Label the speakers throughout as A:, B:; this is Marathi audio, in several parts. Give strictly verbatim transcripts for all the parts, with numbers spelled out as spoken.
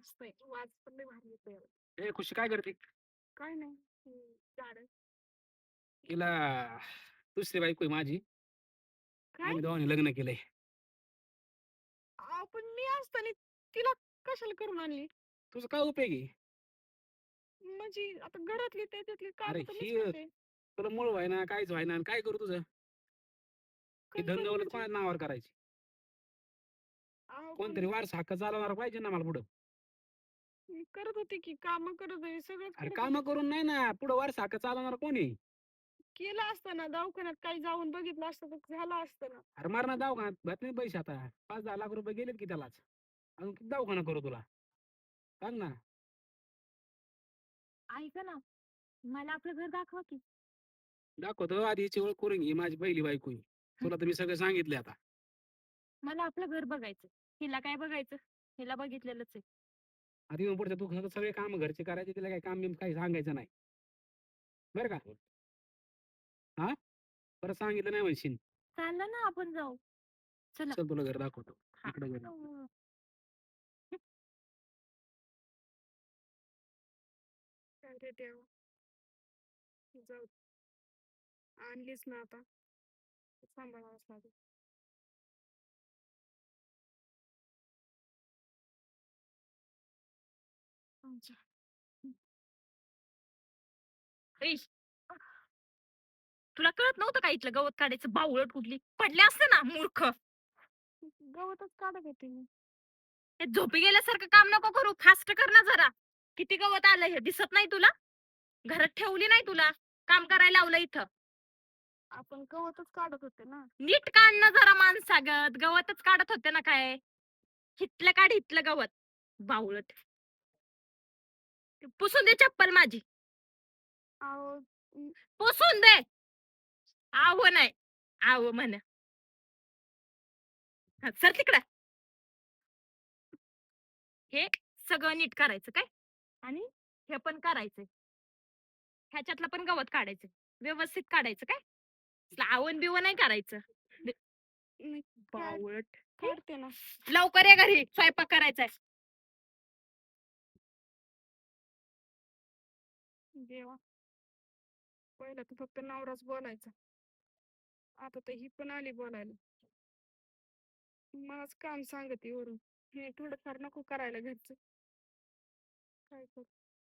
A: मस्त आहे. वाज पण लय भारी येतोय.
B: ए खुशी काय करते?
A: काय नाही. हं, झाडं.
B: तिला दुसरी बायको आहे माझी.
A: काय?
B: आम्ही दोघांनी लग्न केलंय.
A: अहो, पण मी असताना तिला कशाला करून आणली?
B: तुझं काय उपयोग आहे?
A: म्हणजे आता घरातली त्याच्यातली
B: अरे
A: कामं तर मीच
B: ही
A: करते.
B: तुला मूळ व्हायना, काहीच व्हायना आणि काय करू तुझं? ही
A: काय करू
B: धन-दौलत
A: म्हणजे?
B: कोणाच्या नावावर करायची?
A: अहो, पण
B: कोणतरी वारसा हक्क चालवणारा पाहिजे ना मला पुढं.
A: मी करत होते की कामं करत होते, सगळंच
B: अरे
A: करत होते.
B: कामं करून नाही ना, पुढं वारसा हक्क चालवणारा कोण आहे?
A: केलं असतं ना, दवाखान्यात काही जाऊन बघितलं असतं तर झालं असतं ना.
B: अरे मरणार दवाखान्यात भेटत नाही पैसे आता. पाच दहा लाख रुपये गेलेत की त्यालाच. अजून किती दवाखाना करू तुला? सांग ना.
A: ऐका ना, मला आपलं घर दाखवा की.
B: दाखवतो आधी हिची ओळख करून घे. माझी पहिली बायको आहे. तुला तर मी सगळं सांगितले आता.
A: मला आपलं घर बघायचं. हिला काय बघायचं? हिला बघितलेलंच आहे.
B: आता इथून पुढचं तू सगळे सगळे कामं घरचे करायचे. तिला काही काम बिम काही सांगायचं नाही. बरं का? हा? परत सांगितलं नाही म्हणशील.
A: चाललं ना आपण जाऊ. चला.
B: चल तुला घर दाखवतो.
A: हा.
B: इकडे घर.
A: अं, अरे देवा. जाऊ. आणलीच ना आता. सांभाळावंच लागेल. अच्छा. ऐश, तुला कळत नव्हतं का इथलं गवत काढायचं? बावळट कुठली पडले असते ना मूर्ख. गवतच काढत होते मी. हे झोपी गेल्यासारखं काम नको करू, फास्ट कर ना जरा. किती गवत आलं हे दिसत नाही तुला? घरात ठेवली नाही तुला, काम करायला लावलं इथं. आपण गवतच काढत होते ना. नीट काढणं जरा माणसागत, गवतच काढत होते ना काय. हितलं काढ हितलं गवत. बावळट. पुसून दे चप्पल माझी. अहो, पुसून दे. आव नाही, आव म्हण. हा, सर तिकडं. हे सगळं नीट करायचं काय, आणि हे पण करायचंय. ह्याच्यातलं पण गवत काढायचं, व्यवस्थित काढायचं काय, आवण बिवण नाही करायचं. बावळट. काढते ना. लवकर ये घरी, स्वयंपाक करायचाय. देवा, पहिला तर फक्त नवराच बोलायचा, आता तर ही पण आली बोलायला. मलाच काम सांगते वरून. हे थोडंफार नको करायला घरचं. काय करू?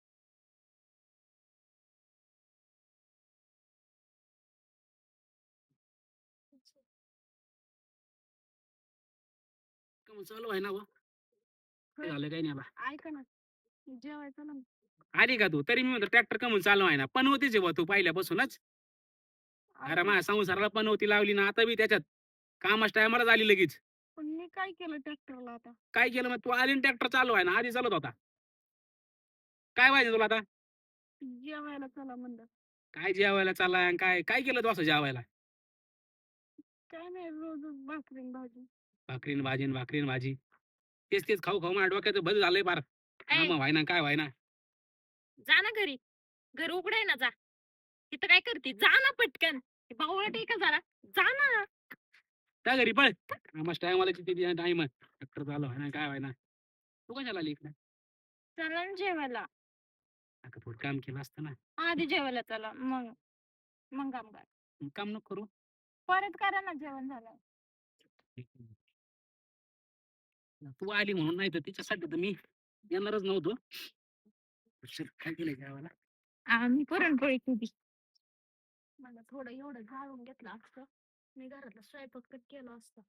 B: काम चालू आहे ना बा. काय झालं काही नाही बा.
A: ऐका ना, जेवायचं ना.
B: आली का तू? तरी मी म्हणतो ट्रॅक्टर कमून चालू आहे ना. पण होतीच आहे बा तू पहिल्यापासूनच. अरे माझ्या संसाराला पण होती लावली ना, आता बी त्याच्यात कामाच्या टायमाला झाली लगेच.
A: पण मी काय केलं ट्रॅक्टरला आता?
B: काय केलं मग? तू आली ट्रॅक्टर चालू आहे ना, आधी चालत होता. काय पाहिजे तुला आता?
A: जेवायला चला म्हणलं.
B: काय जेवायला चाललाय आणि काय काय केलं तू असं जेवायला?
A: काय नाही, रोज भाकरी आणि भाजी.
B: भाकरीन भाजी न भाकरीन भाजी. तेच तेच खाऊ खाऊ माझ्या डोक्याचं भल झालंय फार. काम व्हायना काय व्हायना.
A: जा ना घरी, घर उघड आहे ना, जा. तिथं काय करते? जा ना पटकन. बावळट आहे का जरा? जा ना.
B: त्या घरी पळ. कामाच्या टायमाला किती टाइम ट्रॅक्टर चालू आहे ना काय व्हायना. तू कशाला आली इकडे?
A: चला ना जेवायला.
B: आता थोडं काम केलं असतं ना.
A: आधी जेवायला चला, मग मग काम करा.
B: मग काम नको करू.
A: परत करा ना जेवण झालं.
B: तू आली म्हणून, नाही तर तिच्यासाठी तर मी येणारच नव्हतो. उशीर काय केलंय जेवायला?
A: आम्ही पुरणपोळी केली. मला थोडं एवढं जाळून घेतलं असतं, मी घरातला स्वयंपाक तर केला असता.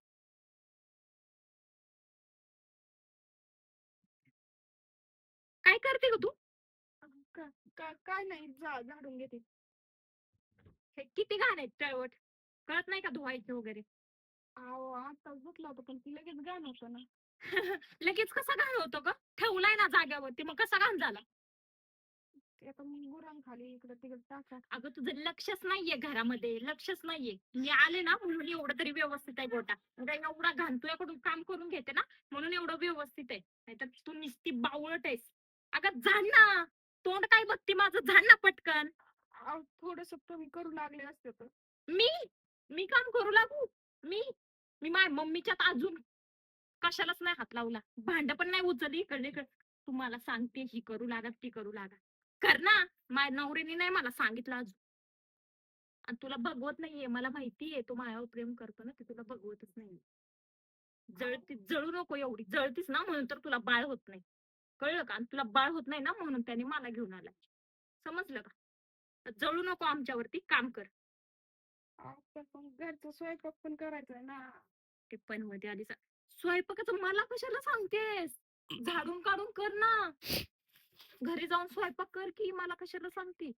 A: काय करते ग तू? का- का- काय नाही, जा झाडून घेते. हे किती घाण आहेत तळवट, कळत नाही का धुवायचं वगैरे? अहो, आता धुतलं होतं पण ती लगेच घाण होतं ना. लगेच कसा घाण होतो ग? ठेवलाय ना जाग्यावरती, मग कसा घाण झाला? ते आता मी गुरांखाली इकडे तिकडे टाका. अगं तुझं लक्षच नाहीये घरामध्ये, लक्षच नाहीये. मी आले ना म्हणून एवढं तरी व्यवस्थित आहे गोटा. म्हणजे एवढा घाण तुझ्याकडून काम करून घेते ना, म्हणून एवढं व्यवस्थित आहे. नाहीतर तू नुसती बावळट आहेस. अगं झाड ना, तोंड काय बघती माझं, झाड ना पटकन. थोडस तुम्ही करू लागले असते तर. मी मी काम करू लागू? मी मी माझ्या मम्मीच्यात अजून कशालाच नाही हात लावला, भांड पण नाही उचलली इकडे इकडे. तुम्हाला सांगते ही करू लागा ती करू लागा. कर ना. माझ्या नवऱ्याने नाही मला सांगितलं अजून. आणि तुला बघवत नाहीये मला माहितीये तो माझ्यावर प्रेम करतो ना ते तुला बघवतच नाही. जळती जळू नको एवढी जळतीस ना म्हणून तर तुला बाळ होत नाही. कळलं का? आणि तुला बाळ होत नाही ना म्हणून त्याने मला घेऊन आलाय. समजलं का? तर जळू नको आमच्यावरती काम कर.
C: आपण पण घरचा स्वयंपाक पण करायचा आहे ना.
A: ते पण मध्ये आधी सा- स्वयंपाकाचं मला कशाला सांगतेस? झाडून काढून कर ना. घरी जाऊन स्वयंपाक कर की मला कशाला सांगते?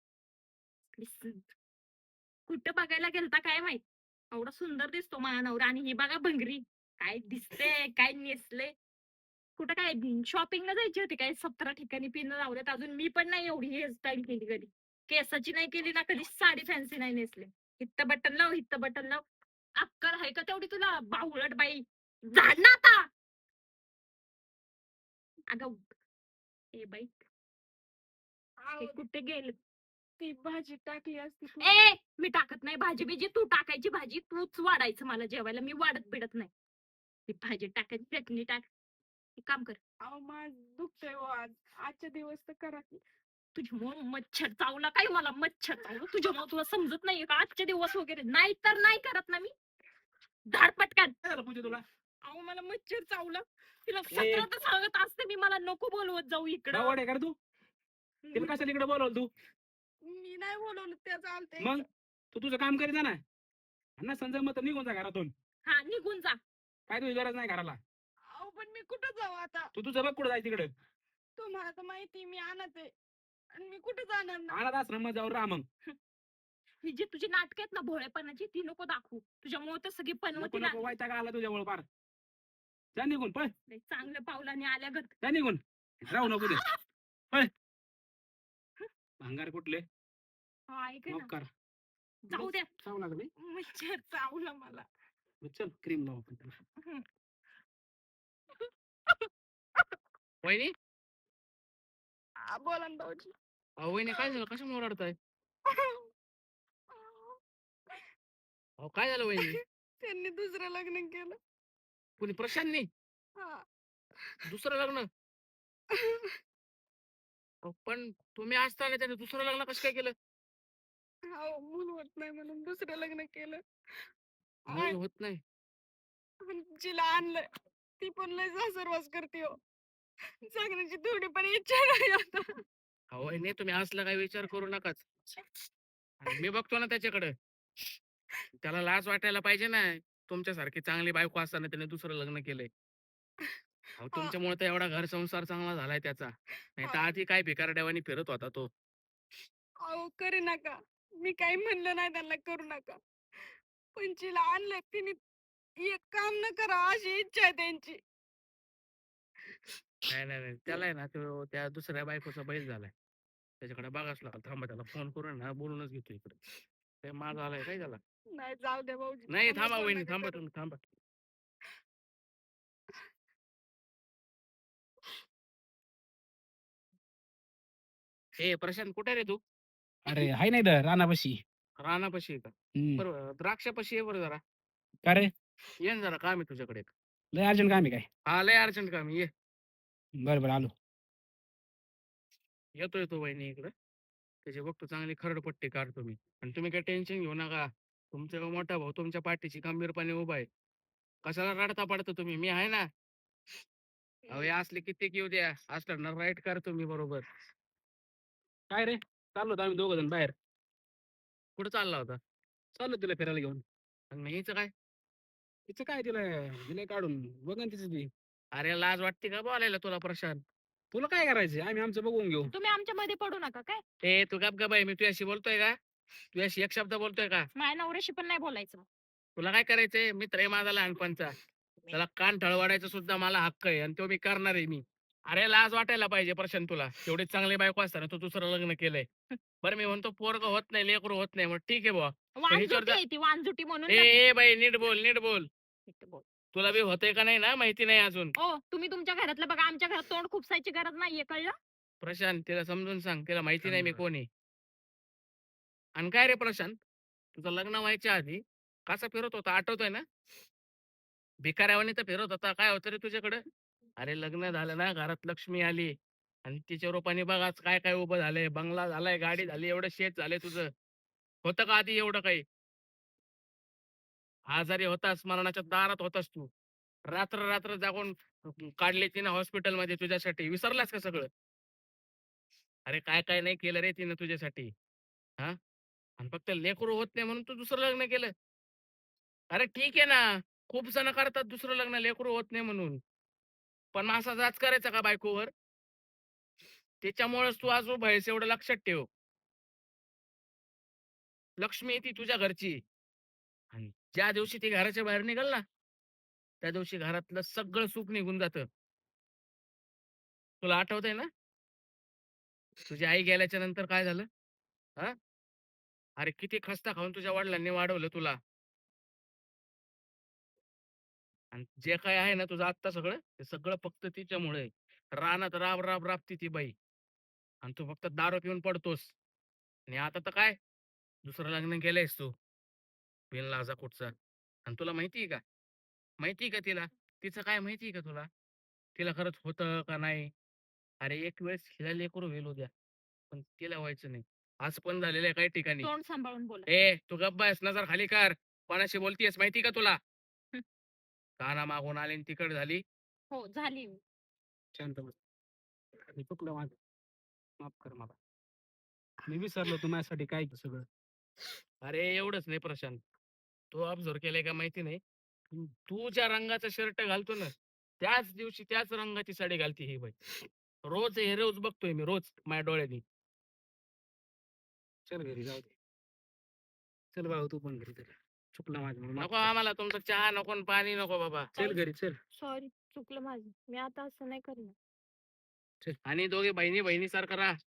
A: कुठं बघायला गेलता काय माहित? एवढा सुंदर दिसतो माझा नवरा आणि ही बघा भंगरी. काय दिसते काय नेसले. कुठं काय शॉपिंगला जायची होती काय सतरा ठिकाणी पिन लावल्यात अजून मी पण नाही एवढी हेअरस्टाईल केली कधी. केसाची नाही केली ना कधी साडी फॅन्सी नाही नेसले. हित्त बटन लाव हित्त बटन लाव. अक्कल आहे का तेवढी तुला बावळट बाई. झाड ना आता. अगं ए बाई
C: आहो,
A: हे कुठे गेले?
C: ती भाजी टाकली असती तू.
A: ए मी टाकत नाही भाजी बिजी तू टाकायची भाजी तूच वाढायचं मला जेवायला मी वाढत बिडत नाही. ती भाजी टाकायची चटणी टाक. एक काम कर
C: अहो माझ दुखतंय हो आज. आजच्या दिवस तर करा की.
A: तुझ्यामुळे मच्छर चावला काय मला मच्छर चावलं तुझ्यामुळे तुला समजत नाहीये का आजचे दिवस वगैरे नाही तर नाही करत ना मी. धाड पटकन.
B: काय झालं पूजा तुला
A: अहो मला मच्छर चावला. तिला सतरा तर सांगत असते मी मला नको बोलवत जाऊ इकडं.
B: बावड आहे का रे तू तिला कशाला इकडे बोलवलं तू
C: मी नाही बोलवलं त्या चालतंय.
B: मग तू तुझं काम करीत जा ना आणि ना संजय मग निघून जा घरातून
A: हा निघून जा.
B: काय तुझी गरज नाही घराला
C: अहो पण मी कुठं जाऊ आता?
B: तू तुझं बघ कुठं जायचं तिकडे
C: तुम्हाला तर माहिती मी आणत आहे. आणि मी कुठं जाणार ना?
B: अनाथ आश्रमात जाऊन राहा मग
A: ही जी तुझी नाटक आहेत ना भोळेपणाची ती नको दाखवू तुझ्यामुळे तर सगळी
B: नको
A: पनवती
B: नको व्हायचा का आला तुझ्यामुळे पार जा निघून पळ
A: लागली. चांगल्या पावलाने आल्या गत.
B: जा निघून राहू नको दे पळ भांगार कुठले
A: हा ऐक ना
B: मग कर
A: जाऊ द्या.
B: चावू लागले
C: मच्छर चावला मला.
B: चल क्रीम लावू आपण त्याला
A: हम्म.
D: वहिनी
C: आ, बोला ना भाऊजी.
D: अहो वहिनी काय झालं कशामुळे रडताय अहो काय झालं वहिनी
C: त्यांनी दुसरं लग्न केलं.
D: कुणी प्रशांतनी
C: हा.
D: दुसरं लग्न अहो, पण तुम्ही असताना त्याने दुसरं लग्न कसं काय केलं
C: हो मूल होत नाही म्हणून दुसरं लग्न केलं.
D: मूल होत नाही
C: आणि जिला आणलं ती पण लय सासरवास करते हो. जगण्याची थोडी पण इच्छा नाही आता.
D: अहो वहिनी तुम्ही असला काही विचार करू नकाच आणि मी बघतो ना त्याच्याकडे त्याला लाज वाटायला पाहिजे ना तुमच्यासारखी चांगली बायको असताना त्याने दुसरं लग्न केलंय अहो तुमच्यामुळे तर एवढा घर संसार चांगला झालाय त्याचा नाही तर आधी काय भिकारड्यावानी फिरत होता तो
C: अहो करू नका. मी काही म्हणलं नाही त्यांना करू नका. पण जिला आणलं तिने एक काम न करा अशी इच्छा आहे त्यांची.
D: नाही नाही नाही त्याला आहे ना तो त्या दुसऱ्या बायकोचा बैल झालाय त्याच्याकडे बघाच लागल थांबा त्याला फोन करून ना बोलूनच घेतो इकडे ते माझा आलाय काय त्याला
C: नाही जाऊ द्या भाऊजी.
D: नाही
C: त्यांना
D: थांबा
C: बोलू
D: वहिनी
C: नका
D: थांबा
C: करू.
D: तुम्ही थांबा ए प्रशांत कुठे रे तू
B: अरे हाय नाही तर रानापाशी
D: रानापाशी आहे का
B: हम्म.
D: बरोबर द्राक्षापाशी आहे बरं जरा
B: का रे
D: ये ना जरा काम आहे तुझ्याकडे एक.
B: लय अर्जंट काम आहे काय
D: हा लय अर्जंट काम आहे, ये
B: बरं बरं आलो
D: येतो येतो वहिनी इकडे त्याची बघतो चांगली खरडपट्टी काढतो मी आणि तुम्ही काही टेन्शन घेऊ नका तुमचा मोठा भाऊ तुमच्या पाठीशी खंबीरपणे उभा आहे कशाला रडता पडता तुम्ही मी आहे ना अहो हे असले कित्येक येऊ द्या असलं ना राईट करतो मी बरोबर
B: काय रे चाललो होतो आम्ही दोघं जण बाहेर
D: कुठं चालला होता
B: चाललो तिला फिरायला घेऊन
D: आणि हिचं काय
B: तिचं काय तिला दिलंय काढून बघ ना तिचं ती
D: अरे लाज वाटते का बोलायला तुला प्रशांत
B: तुला काय करायचं आम्ही आमचं बघून घेऊ
A: तुम्ही आमच्या मध्ये पडू नका काय
D: ए तू गप गप आहे मी तुझ्याशी बोलतोय का तुझ्याशी एक शब्द बोलतोय का
A: माझ्या नवऱ्याशी पण नाही बोलायचं.
D: तुला काय करायचंय मित्र आहे माझा लहानपणचा त्याला कान ठळवाडायचा सुद्धा मला हक्क आहे आणि तो मी करणार आहे मी अरे लाज वाटायला पाहिजे प्रशांत तुला तेवढी चांगली बायको असताना तू दुसरं लग्न केलंय बरं मी म्हणतो पोरग होत नाही लेकरू होत नाही मग ठीक आहे बुवा हिच्यावर
A: वांजुटी
D: जा-
A: आहे ती वांजुटी म्हणून
D: ए ए बाई नीट बोल नीट बोल
A: नका बोल.
D: तुला बी होतंय का नाही ना माहिती नाही अजून
A: ओ तुम्ही तुमच्या घरातलं बघा आमच्या घरात तोंड खुपसायची गरज नाहीये कळलं.
D: प्रशांत तिला समजून सांग तिला माहिती नाही मी कोण आहे आणि काय रे प्रशांत तुझं लग्न व्हायच्या आधी कसा फिरत होता आठवतोय ना भिकाऱ्यावानी तर फिरत होता काय होतं रे तुझ्याकडे अरे लग्न झालं ना, घरात लक्ष्मी आली आणि तिच्या रूपाने बघ आज काय काय उभं झालंय. बंगला झालाय, गाडी झाली, एवढं शेत झालंय तुझं. होतं का आधी एवढं काही? आजारी होतास, मरणाच्या दारात होतास तू. रात्र रात्र जागून काढली तिने हॉस्पिटलमध्ये तुझ्यासाठी. विसरलास का सगळं? अरे काय काय नाही केलं रे तिनं तुझ्यासाठी. हां? आणि फक्त लेकरू होत नाही म्हणून तू दुसरं लग्न केलं. अरे ठीक आहे ना. खूप जण करतात दुसरं लग्न लेकरू होत नाही म्हणून. पण मग असा जाच करायचा का बायकोवर? त्याच्यामुळेच तू आज उभा आहेस एवढं लक्षात ठेव. लक्ष्मी आहे ती तुझ्या घरची. आणि ज्या दिवशी ती घराच्या बाहेर निघाल ना, त्या दिवशी घरातलं सगळं सुख निघून जातं. तुला आठवतंय ना? तुझी आई गेल्याच्या नंतर काय झालं? हां? अरे किती खस्ता खाऊन तुझ्या वडिलांनी वाढवलं तुला. आणि जे काही आहे ना तुझं आत्ता सगळं, ते सगळं फक्त तिच्यामुळे आहे. रानात राब, राब, राबती ती बाई आणि तू फक्त दारू पिऊन पडतोस. आणि आता तर काय? दुसरं लग्न केलंयस तू, बिनलाजा कुठचा. आणि तुला माहिती आहे का? माहिती आहे का तिला? तिचं काय माहिती आहे का तुला? तिला खरंच होतं का नाही? अरे एक वेळेस हिला लेकरू होईल उद्या, पण तिला व्हायचं नाही. असं पण झालेलं आहे काही ठिकाणी.
A: तोंड सांभाळून बोला.
D: ए तू गप्प बस, नजर खाली कर. कोणाशी बोलतीयस माहिती का तुला?
A: हं.
D: काना मागून आली आणि तिकड झाली.
A: हो झाली मी.
B: शांत बस. अरे चुकलं माझं. माफ कर मला. मी विसरलो तू माझ्यासाठी काय केलं सगळं.
D: अरे एवढंच नाही प्रशांत. तू ऑब्झर्व केलंय का माहिती नाही. तू तू ज्या रंगाचा शर्ट घालतो ना, त्याच दिवशी त्याच रंगाची साडी घालते ही बाई. रोज हे रोज बघतोय मी रोज माझ्या डोळ्यांनी.
B: चल घरी जाऊ दे. चल बाबा तू पण घरी चल. चुकलं माझं मला माफ
D: नको
B: कर.
D: आम्हाला तुमचं चहा नको आणि पाणी नको बाबा.
B: चल घरी चल.
A: सॉरी चुकलं माझं. मी आता असं नाही करणार.
D: आणि दोघे बहिणी बहिणीसारखं राहा.